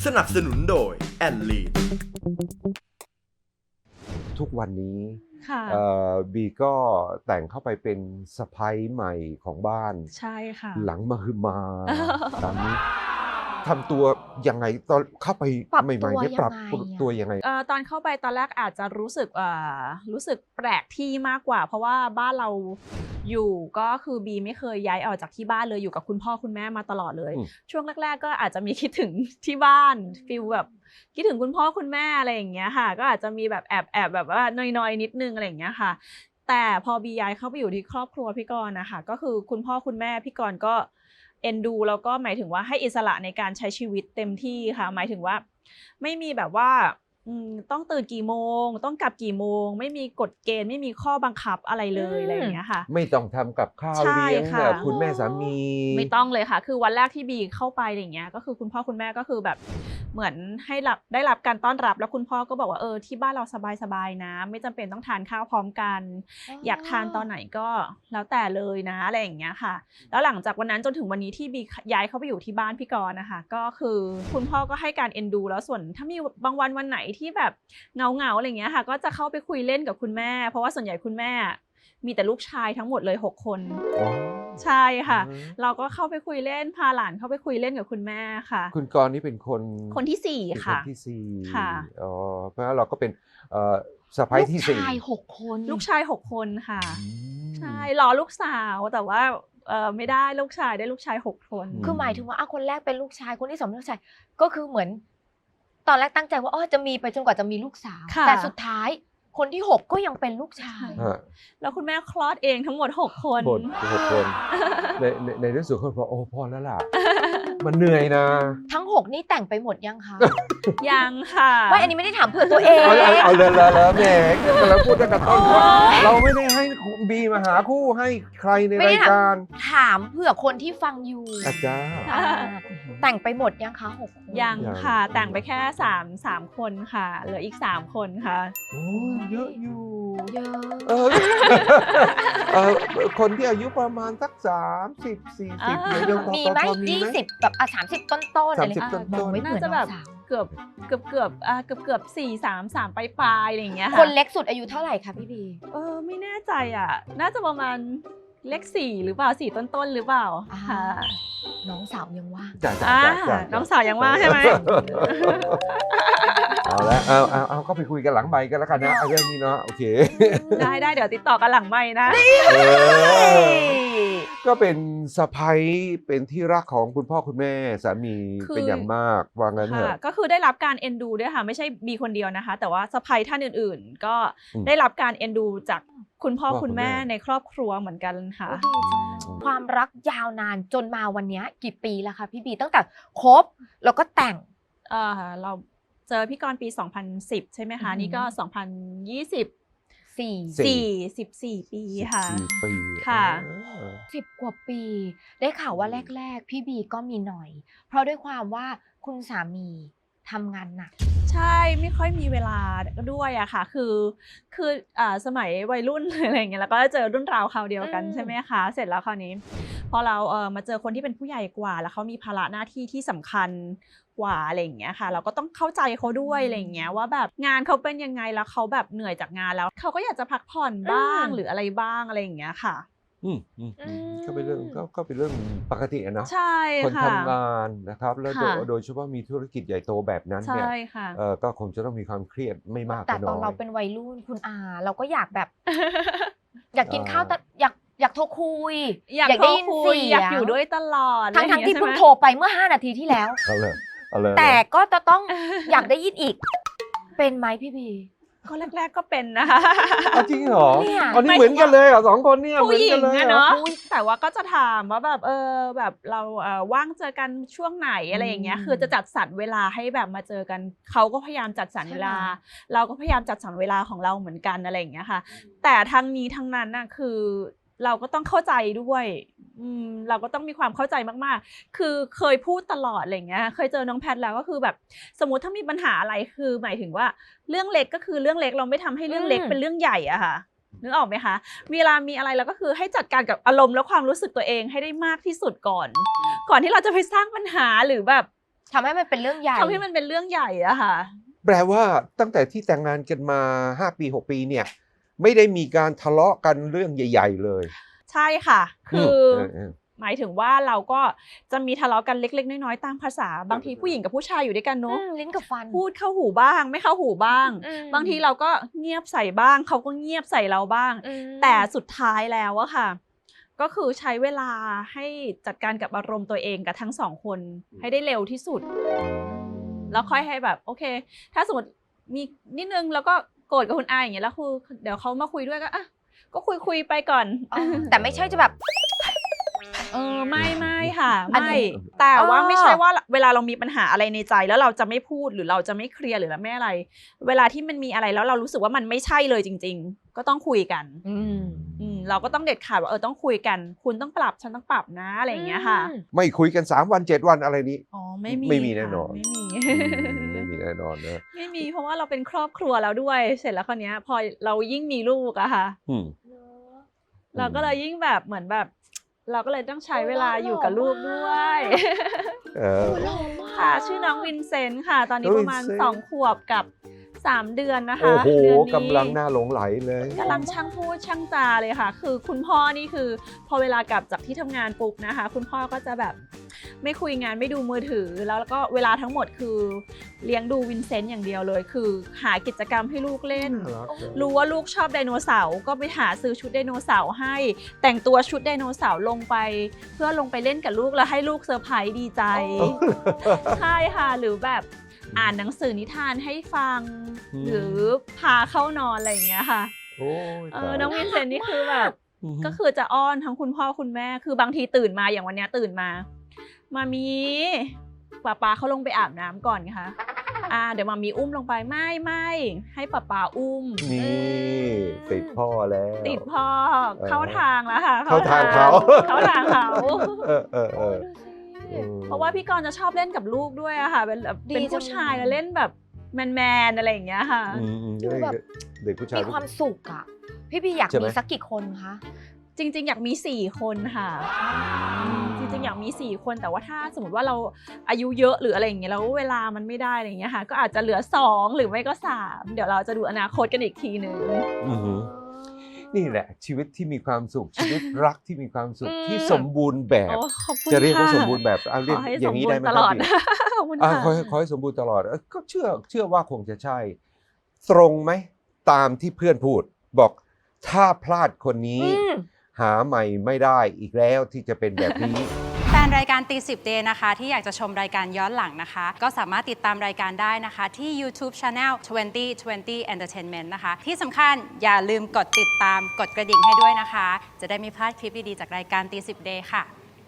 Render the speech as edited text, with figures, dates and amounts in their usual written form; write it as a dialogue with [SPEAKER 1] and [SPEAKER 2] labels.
[SPEAKER 1] สนับสนุนโดยแอนลีน
[SPEAKER 2] ทุกวันนี้
[SPEAKER 3] ค่ะ
[SPEAKER 2] บีก็แต่งเข้าไปเป็นสะใภ้ใหม่ของบ้าน
[SPEAKER 3] ใช่ค่ะ
[SPEAKER 2] หลังมาคือมาตามนี้ทำตัวยังไงตอนเข้าไป
[SPEAKER 4] ปรับ
[SPEAKER 2] ใหม่ๆเนี่ย
[SPEAKER 4] ตัว
[SPEAKER 2] ปรับ
[SPEAKER 4] ยังไงอะ
[SPEAKER 2] ตัวยังไง
[SPEAKER 3] ตอนเข้าไปตอนแรกอาจจะรู้สึกแปลกที่มากกว่า เพราะว่าบ้านเราอยู่ก็คือบีไม่เคยย้ายออกจากที่บ้านเลยอยู่กับคุณพ่อคุณแม่มาตลอดเลย ช่วงแรกๆก็อาจจะมีคิดถึงที่บ้านฟีลแบบคิดถึงคุณพ่อคุณแม่อะไรอย่างเงี้ยค่ะก็อาจจะมีแบบแอบแบบว่านอยๆนิดนึงอะไรอย่างเงี้ยค่ะแต่พอบีย้ายเข้าไปอยู่ที่ครอบครัวพี่กรณ์นะคะก็คือคุณพ่อคุณแม่พี่กรณ์ก็เอ็นดูแล้วก็หมายถึงว่าให้อิสระในการใช้ชีวิตเต็มที่ค่ะหมายถึงว่าไม่มีแบบว่าต้องตื่นกี่โมงต้องกลับกี่โมงไม่มีกฎเกณฑ์ไม่มีข้อบังคับอะไรเลยอะไรอย่างเงี้ยค่ะ
[SPEAKER 2] ไม่ต้องทำกับข้าว
[SPEAKER 3] ใช่
[SPEAKER 2] เลี้ยง
[SPEAKER 3] ค่ะ
[SPEAKER 2] แบบคุณแม่สามี
[SPEAKER 3] ไม่ต้องเลยค่ะ คือวันแรกที่บีเข้าไปอะไรอย่างเงี้ย ก็คือคุณพ่อคุณแม่ก็คือแบบเหมือนให้ได้รับการต้อนรับแล้วคุณพ่อก็บอกว่าที่บ้านเราสบายๆนะไม่จำเป็นต้องทานข้าวพร้อมกัน อยากทานตอนไหนก็แล้วแต่เลยนะอะไรอย่างเงี้ยค่ะ แล้วหลังจากวันนั้นจนถึงวันนี้ที่บีย้ายเข้าไปอยู่ที่บ้านพี่กรณ์นะคะก็คือคุณพ่อก็ให้การเอ็นดูแล้วส่วนถ้ามีบางวันไหนที่แบบเงาอะไรอย่างเงี้ยค่ะก็จะเข้าไปคุยเล่นกับคุณแม่ เพราะว่าส่วนใหญ่คุณแม่มีแต่ลูกชายทั้งหมดเลย6 คน
[SPEAKER 2] อ๋อ
[SPEAKER 3] ใช่ค่ะ
[SPEAKER 2] อืม
[SPEAKER 3] เราก็เข้าไปคุยเล่นพาหลานเข้าไปคุยเล่นกับคุณแม่ค่ะ
[SPEAKER 2] คุณกรณ์นี่เป็นคน
[SPEAKER 3] คนที่
[SPEAKER 2] เป็น
[SPEAKER 3] 4
[SPEAKER 2] คน
[SPEAKER 3] ค่ะ
[SPEAKER 2] ที่สี่
[SPEAKER 3] ค่ะ
[SPEAKER 2] อ๋อเพราะฉะนั้นเราก็เป็นสะใภ้ที่
[SPEAKER 4] ลูก
[SPEAKER 2] สี่
[SPEAKER 4] ชาย6 คน
[SPEAKER 3] ลูกชาย6 คนค่ะ
[SPEAKER 2] อืม
[SPEAKER 3] ใช่รอลูกสาวแต่ว่าไม่ได้ลูกชายได้ลูกชาย6 คน
[SPEAKER 4] คือหมายถึงว่าคนแรกเป็นลูกชายคนที่2เป็นลูกชายก็คือเหมือน ตอนแรกตั้งใจว่าจะมีไปจนกว่าจะมีลูกสาว
[SPEAKER 3] ค่ะ
[SPEAKER 4] แต่สุดท้ายคนที่6ก็ยังเป็นลูกชาย
[SPEAKER 2] ฮะ
[SPEAKER 3] แล้วคุณแม่คลอดเองทั้งหมด6 คน
[SPEAKER 2] 6 คนในที่สุดคนบอกโอ้พอแล้วล่ะ มันเหนื่อยนะ
[SPEAKER 4] ทั้ง6นี่แต่งไปหมดยังคะ
[SPEAKER 3] ยังค่ะ
[SPEAKER 4] ว่าอันนี้ไม่ได้ถามเพื่อตัวเอง
[SPEAKER 2] เอาเลยแหมกำลังพูดตั้งแต่ต้นว่าเราไม่ได้ให้บีมาหาคู่ให้ใครในรายการ
[SPEAKER 4] ถามเพื่อคนที่ฟังอยู่
[SPEAKER 2] อาจารย์
[SPEAKER 4] อ่าแต่งไปหมดยังคะ6 คน
[SPEAKER 3] ยัง
[SPEAKER 2] ยัง
[SPEAKER 3] ค่ะ แต่งไปแค่3 คนค่ะเหลืออีก3 คนค่ะ
[SPEAKER 2] โอ้เยอะอยู่
[SPEAKER 4] เยอะ
[SPEAKER 2] เออคนที่อายุประมาณสัก30-40เนี่ยยังพอ
[SPEAKER 4] มีไหม
[SPEAKER 2] พอมีไหม
[SPEAKER 4] 20แบบ30 ต้นๆอะไร
[SPEAKER 2] 30 ต้นๆ
[SPEAKER 4] มองไม่เหมื
[SPEAKER 3] น่า
[SPEAKER 4] อน
[SPEAKER 3] จะ
[SPEAKER 4] น้
[SPEAKER 3] แบ
[SPEAKER 4] อง
[SPEAKER 3] บ
[SPEAKER 4] สาว
[SPEAKER 3] เกือบ4-3ปลายอะไรอย่างเงี้ยค่ะ
[SPEAKER 4] คนเล็กสุดอายุเท่าไหร่คะพี่บี
[SPEAKER 3] ไม่แน่ใจอ่ะ น่าจะประมาณเลข4หรือเปล่า4ต้นๆหรือเปล่า
[SPEAKER 4] อ่า
[SPEAKER 3] ค่ะ
[SPEAKER 4] น้องสาวยังว่าง
[SPEAKER 2] จ้ะ
[SPEAKER 3] น้องสาวยังว่างใช่ไหม
[SPEAKER 2] เอาละเอาก็ไปคุยกันหลังไมค์กันแล้วกันนะเอาเรื่องนี้เนาะโอเค
[SPEAKER 3] ได้เดี๋ยวติดต่อกันหลังไมค์นะ
[SPEAKER 2] เออก็เป็นสะใภ้เป็นที่รักของคุณพ่อคุณแม่สามี
[SPEAKER 3] คือ
[SPEAKER 2] เป็นอย่างมากว่างั้นเถ
[SPEAKER 3] ค่ะ
[SPEAKER 2] อะ
[SPEAKER 3] ก็คือได้รับการเอ็นดูด้วยค่ะไม่ใช่บีคนเดียวนะคะ แต่ว่าสะใภ้ท่านอื่นๆ ก็
[SPEAKER 2] อืม
[SPEAKER 3] ได้รับการเอ็นดูจากคุณพ่อ
[SPEAKER 2] พ่อคุ
[SPEAKER 3] คุณ ณ
[SPEAKER 2] แม่
[SPEAKER 3] แม่ในครอบครัวเหมือนกันค่ะ
[SPEAKER 4] โอ้ดีจังเลยความรักยาวนานจนมาวันนี้กี่ปีแล้วคะพี่บีตั้งแต่คบแล้วก็แต่ง
[SPEAKER 3] เราเจอพี่กรณ์ปี 2010 ใช่ไหมคะ
[SPEAKER 4] อือหือ
[SPEAKER 3] นี่ก็ 2024 14 ปีค่ะ
[SPEAKER 2] 14 ปี
[SPEAKER 3] ค่ะ
[SPEAKER 4] 10 กว่าปี ได้ข่าวว่าแรกๆ พี่บีก็มีหน่อย เพราะด้วยความว่าคุณสามีทำงานหนัก
[SPEAKER 3] ใช่ไม่ค่อยมีเวลาด้วยอะค่ะคือสมัยวัยรุ่น อะไรอย่างเงี้ยแล้วก็เจอรุ่นราวคราวเดียวกัน
[SPEAKER 4] อืม
[SPEAKER 3] ใช่ไหมคะเสร็จแล้วคราวนี้พอเรามาเจอคนที่เป็นผู้ใหญ่กว่าแล้วเขามีภาระหน้าที่ที่สำคัญกว่าอะไรอย่างเงี้ยค่ะ เราก็ต้องเข้าใจเขาด้วยอะไรอย่างเงี้ยว่าแบบงานเขาเป็นยังไงแล้วเขาแบบเหนื่อยจากงานแล้วเขาก็อยากจะพักผ่อนบ้างหรืออะไรบ้างอะไรอย่างเงี้ยค่ะ
[SPEAKER 2] ก็เป็นเรื่องก็เป็นเรื่องปกติอะเนาะ
[SPEAKER 3] ใช่
[SPEAKER 2] คน
[SPEAKER 3] ค่ะ
[SPEAKER 2] ทำงานนะครับแล้ว
[SPEAKER 3] ค่ะ
[SPEAKER 2] โดยเฉพาะมีธุรกิจใหญ่โตแบบนั้นเนี่ย
[SPEAKER 3] ใช่ค่ะ
[SPEAKER 2] ก็คงจะต้องมีความเครียดไม่มาก
[SPEAKER 4] แต่
[SPEAKER 2] ก็
[SPEAKER 4] ต
[SPEAKER 2] น้
[SPEAKER 4] อน
[SPEAKER 2] อ
[SPEAKER 4] เรา
[SPEAKER 2] ย
[SPEAKER 4] เป็นวัยรุ่นคุณอา เราก็อยากแบบ อยากกินข้าวแต่อยากโทรคุย
[SPEAKER 3] อยาก
[SPEAKER 4] ได้ยิน
[SPEAKER 3] โทรคุ
[SPEAKER 4] เสี
[SPEAKER 3] อยากอยู่ด้วยตลอด
[SPEAKER 4] ทั้งที่
[SPEAKER 3] อะไรอย่างเงี้ย
[SPEAKER 4] เพิ่ง
[SPEAKER 3] ใช่ไหม
[SPEAKER 4] โทรไปเมื่อ5 นาทีที่แล้ว
[SPEAKER 2] เอาเลย
[SPEAKER 4] แต่ก็จะต้องอยากได้ยินอีก เป็นไหมพี่บี
[SPEAKER 3] ก็แรกๆก็เป็นนะคะ
[SPEAKER 2] เอาจริงเหรอ
[SPEAKER 4] เนี่ย
[SPEAKER 2] อันนี้เหมือนกันเลยเหรอ2 คนเนี่ยเหมื
[SPEAKER 3] ผู้
[SPEAKER 2] อน
[SPEAKER 3] หญิ
[SPEAKER 2] กั
[SPEAKER 3] ง
[SPEAKER 2] นเลย
[SPEAKER 3] อะ
[SPEAKER 2] เหรอ
[SPEAKER 3] เนาะแต่ว่าก็จะถามว่าแบบแบบเราว่างเจอกันช่วงไหนอะไรอย่างเงี้ย
[SPEAKER 4] อืม
[SPEAKER 3] คือจะจัดสรรเวลาให้แบบมาเจอกันเขาก็พยายามจัดสรรเวลา
[SPEAKER 4] ใช่ไหม
[SPEAKER 3] เราก็พยายามจัดสรรเวลาของเราเหมือนกันอะไรอย่างเงี้ยค่ะ แต่ทั้งนี้ทั้งนั้นน่ะคือเราก็ต้องเข้าใจด้วยเราก็ต้องมีความเข้าใจมากๆ คือเคยพูดตลอดอะไรอย่างเงี้ยเคยเจอน้องแพทแล้วก็คือแบบสมมติถ้ามีปัญหาอะไรคือหมายถึงว่าเรื่องเล็กก็คือเรื่องเล็กเราไม่ทำให้เรื่องเล็กเป็นเรื่องใหญ่อะค่ะนึกออกไหมคะเวลามีอะไรเราก็คือให้จัดการกับอารมณ์และความรู้สึกตัวเองให้ได้มากที่สุดก่อนที่เราจะไปสร้างปัญหาหรือแบบ
[SPEAKER 4] ทำให้มันเป็นเรื่องใหญ่
[SPEAKER 3] ทำให้มันเป็นเรื่องใหญ่อะค่ะ
[SPEAKER 2] แปลว่าตั้งแต่ที่แต่งงานกันมา5 ปี 6 ปีเนี่ยไม่ได้มีการทะเลาะกันเรื่องใหญ่ ๆ เลย
[SPEAKER 3] ใช่ค่ะ คือ
[SPEAKER 2] เออ
[SPEAKER 3] หมายถึงว่าเราก็จะมีทะเลาะกันเล็กๆน้อยๆตามภาษาบางทีผู้หญิงกับผู้ชายอยู่ด้วยกันเนอะ
[SPEAKER 4] ลิ้นกับฟัน
[SPEAKER 3] พูดเข้าหูบ้างไม่เข้าหูบ้าง
[SPEAKER 4] อืม
[SPEAKER 3] บางทีเราก็เงียบใส่บ้างเขาก็เงียบใส่เราบ้าง
[SPEAKER 4] อืม
[SPEAKER 3] แต่สุดท้ายแล้วอะค่ะ ก็คือใช้เวลาให้จัดการกับอารมณ์ตัวเองกับทั้งสองคนให้ได้เร็วที่สุด แล้วค่อยให้แบบโอเค ถ้าสมมติมีนิดนึงแล้วก็โกรธกับคุณอาอย่างเงี้ยแล้วคือเดี๋ยวเขามาคุยด้วยก็อ่ะก็คุยไปก่อน
[SPEAKER 4] อ๋อแต่ไม่ใช่จะแบบ
[SPEAKER 3] ไม่ค่ะ
[SPEAKER 4] อันนี้
[SPEAKER 3] ไม่แต่ว่า
[SPEAKER 4] อ๋อ
[SPEAKER 3] ไม่ใช่ว่าเวลาเรามีปัญหาอะไรในใจแล้วเราจะไม่พูดหรือเราจะไม่เคลียร์หรือไม่อะไร เวลาที่มันมีอะไรแล้วเรารู้สึกว่ามันไม่ใช่เลยจริง ๆ ก็ต้องคุยกัน เราก็ต้องเด็ดขาดว่าต้องคุยกัน คุณต้องปรับฉันต้องปรับนะอะไรอย่างเงี้ยค่ะ
[SPEAKER 2] ไม่คุยกัน3 วัน 7 วันอะไรนี้
[SPEAKER 3] อ๋อไม่มี
[SPEAKER 2] ไม่มี
[SPEAKER 3] ค่ะ
[SPEAKER 2] แน่นอน
[SPEAKER 3] ไม่มี
[SPEAKER 2] ไม่มีแน่นอนนะ
[SPEAKER 3] ไม่มีเพราะว่าเราเป็นครอบครัวแล้วด้วย เสร็จแล้วคราวเนี้ยพอเรายิ่งมีลูกอะค่ะ
[SPEAKER 2] อืม
[SPEAKER 3] เราก็เลยยิ่งแบบเหมือนแบบ เราก็เลยต้องใช้เวลาอยู่กับลูกด้วย
[SPEAKER 2] เออ
[SPEAKER 3] ค่ะชื่อน้องวินเซนต์ค่ะ ตอนนี้
[SPEAKER 2] น้อง
[SPEAKER 3] ประมาณ
[SPEAKER 2] วินเซนต์
[SPEAKER 3] 2 ขวบกับ 3 เดือนนะคะ
[SPEAKER 2] โอ้โห
[SPEAKER 3] เดือนนี้
[SPEAKER 2] กำลังน่าหลงไหลเลย
[SPEAKER 3] กำลังช่างพูดช่างจาเลยค่ะ คือคุณพ่อนี่คือพอเวลากลับจากที่ทำงานปุ๊บนะคะ คุณพ่อก็จะแบบไม่คุยงานไม่ดูมือถือ แล้วก็เวลาทั้งหมดคือเลี้ยงดูวินเซนต์อย่างเดียวเลย คือหากิจกรรมให้ลูกเล่น รู้ว่าลูกชอบไดโนเสาร์ก็ไปหาซื้อชุดไดโนเสาร์ให้ แต่งตัวชุดไดโนเสาร์ลงไป เพื่อลงไปเล่นกับลูกแล้วให้ลูกเซอร์ไพรส์ดีใจ ใช่ค่ะ หรือแบบอ่านหนังสือนิทานให้ฟัง หรือพาเข้านอนอะไรอย่างเงี้ยค่ะ
[SPEAKER 2] โอ้ยตาย
[SPEAKER 3] น้องวินเซนต์นี่คือแบบ
[SPEAKER 2] อืม
[SPEAKER 3] ก็คือจะอ้อนทั้งคุณพ่อคุณแม่ คือบางทีตื่นมาอย่างวันเนี้ยตื่นมา มามีป๊าเขาลงไปอาบน้ำก่อนค่ะ เดี๋ยวมามีอุ้มลงไปไม่ให้ป๊าอุ้ม
[SPEAKER 2] นี่ติดพ่อแล้ว
[SPEAKER 3] ติดพ่อเข้าทางแล้วค่ะ
[SPEAKER 2] เข้าทางเขา
[SPEAKER 3] เข้าทางเขา
[SPEAKER 2] เออ
[SPEAKER 3] เพราะว่าพี่กรณ์จะชอบเล่นกับลูกด้วยอะค่ะเป็นแบบ
[SPEAKER 4] ดี
[SPEAKER 3] เป็นผู้ชายแล้วเล่นแบบแมนอะไรอย่างเงี้ยค่ะ
[SPEAKER 4] ดูแบบ
[SPEAKER 2] เด็กผู้ชาย
[SPEAKER 4] มีความสุขอ่ะ พี่อยาก
[SPEAKER 2] ใช่ไหม
[SPEAKER 4] มีสักกี่คนคะ
[SPEAKER 3] จริงๆ อยากมี4 คนค่ะจริงๆ อยากมี4 คนแต่ว่าถ้าสมมติว่าเราอายุเยอะหรืออะไรอย่างเงี้ยแล้วเวลามันไม่ได้อะไรอย่างเงี้ยค่ะ ก็อาจจะเหลือ2หรือไม่ก็3เดี๋ยวเราจะดูอนาคตกันอีกทีนึง
[SPEAKER 2] อือหือนี่แหละ ชีวิตที่มีความสุข ชีวิตรักที่มีความสุข
[SPEAKER 4] อืม
[SPEAKER 2] ที่สมบูรณ์แบบ
[SPEAKER 3] โอ้ขอบคุณ
[SPEAKER 2] จะเรียกว่า
[SPEAKER 3] ค่ะ
[SPEAKER 2] สมบูรณ์แบบเรียก
[SPEAKER 3] ขอให้
[SPEAKER 2] อ
[SPEAKER 3] ส
[SPEAKER 2] ย่าม งนี้
[SPEAKER 3] บูร
[SPEAKER 2] ได้
[SPEAKER 3] ณ์
[SPEAKER 2] ไหม
[SPEAKER 3] ต
[SPEAKER 2] ค
[SPEAKER 3] ล
[SPEAKER 2] รับ
[SPEAKER 3] อด
[SPEAKER 2] พี่
[SPEAKER 3] ขอบคุณ
[SPEAKER 2] ขอ
[SPEAKER 3] ค่ะ
[SPEAKER 2] ขอให้สมบูรณ์ตลอดก็เชื่อว่าคงจะใช่ ตรงไหมตามที่เพื่อนพูด บอกถ้าพลาดคนนี้ หาใหม่ไม่ได้อีกแล้วที่จะเป็นแบบนี้
[SPEAKER 5] แฟนรายการตีสิบเดย์นะคะที่อยากจะชมรายการย้อนหลังนะคะ ก็สามารถติดตามรายการได้นะคะที่ YouTube Channel 2020 Entertainment นะคะ ที่สำคัญอย่าลืมกดติดตามกดกระดิ่งให้ด้วยนะคะ จะได้ไม่พลาดคลิปดี ๆ จากรายการตีสิบเดย์ค่ะ